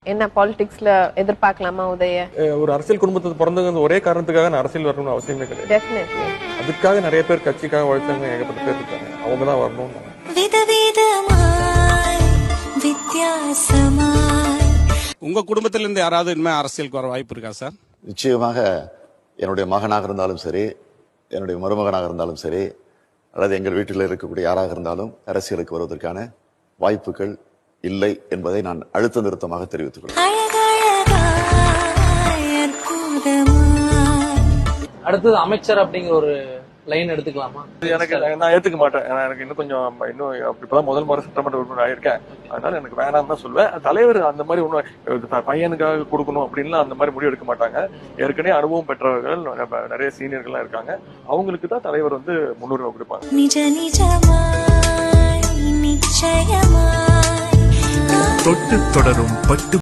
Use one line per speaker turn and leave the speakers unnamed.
என்ன பாலிடிக்ஸ்ல எதிர்பார்க்கலாமா உதய?
ஒரு அரசியல் குடும்பத்துக்கு பிறந்தவங்க ஒரே காரணத்துக்காக நான் அரசியல் வரணும்னு அவசியமே கிடையாது.
டெஃபினெட்லி.
அதுக்காக நிறைய பேர் கட்சிக்காக உழைச்சாங்க, ஏகப்பட்ட பேர் இருக்காங்க. அவங்க தான் வரணும்.
உங்க குடும்பத்தில இருந்து யாராவது இனிமே அரசியலுக்கு வர வாய்ப்பு இருக்கா சார்?
நிச்சயமாக என்னுடைய மகனாக இருந்தாலும் சரி, என்னுடைய மருமகனாக இருந்தாலும் சரி, அல்லது எங்கள் வீட்டில் இருக்கக்கூடிய யாராக இருந்தாலும் அரசியலுக்கு வருவதற்கான வாய்ப்புகள் இல்லை என்பதை நான் அழுத்த நிறுத்தமாக தெரிவித்துக் கொள்கிறேன்.
அடுத்தது அமைச்சர் அப்படிங்கிற ஒரு லைன் எடுத்துக்கலாமா?
எனக்கு நான் ஏத்துக்க மாட்டேன். எனக்கு இன்னும் கொஞ்சம் இப்பதான் முதல் முறை சட்டமன்ற உறுப்பினர் ஆயிருக்கேன். அதனால எனக்கு வேணாம் தான் சொல்லுவேன். தலைவர் அந்த மாதிரி ஒன்னும் பையனுக்காக கொடுக்கணும் அப்படின்லாம் அந்த மாதிரி முடிவு எடுக்க மாட்டாங்க. ஏற்கனவே அனுபவம் பெற்றவர்கள் நிறைய சீனியர்கள்லாம் இருக்காங்க. அவங்களுக்கு தான் தலைவர் முன்னுரிமை கொடுப்பாங்க.
தொட்டு தொடரும் பட்டு